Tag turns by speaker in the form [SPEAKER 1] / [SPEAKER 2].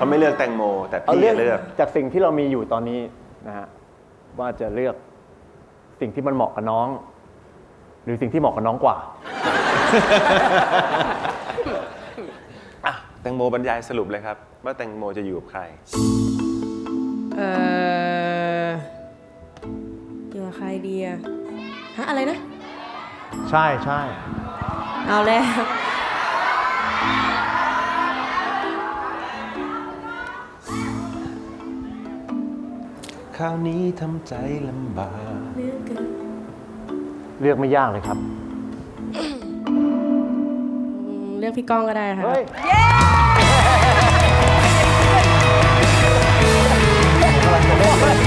[SPEAKER 1] เขาไม่เลือกแตงโม แต่
[SPEAKER 2] เอา
[SPEAKER 1] พี่
[SPEAKER 2] เลือก
[SPEAKER 1] เลือก
[SPEAKER 2] จากสิ่งที่เรามีอยู่ตอนนี้นะฮะว่าจะเลือกสิ่งที่มันเหมาะกับน้อง หรือสิ่งที่เหมาะกับน้องกว่า
[SPEAKER 1] อ่ะแตงโมบรรยายสรุปเลยครับ ว่าแตงโมจะอยู่กับใคร
[SPEAKER 3] อยู่กับใครดีอะฮะอะไรนะ
[SPEAKER 2] ใช่ใช่
[SPEAKER 3] เอาแล้ว
[SPEAKER 1] คราวนี้ทำใจลำบาก
[SPEAKER 2] เลือกไม่ยากเลยครับ
[SPEAKER 3] เลือกพี่ก้องก็ได้ค่ะ
[SPEAKER 2] เฮ้ย
[SPEAKER 4] เย้
[SPEAKER 2] กำลังจะเล่นเลย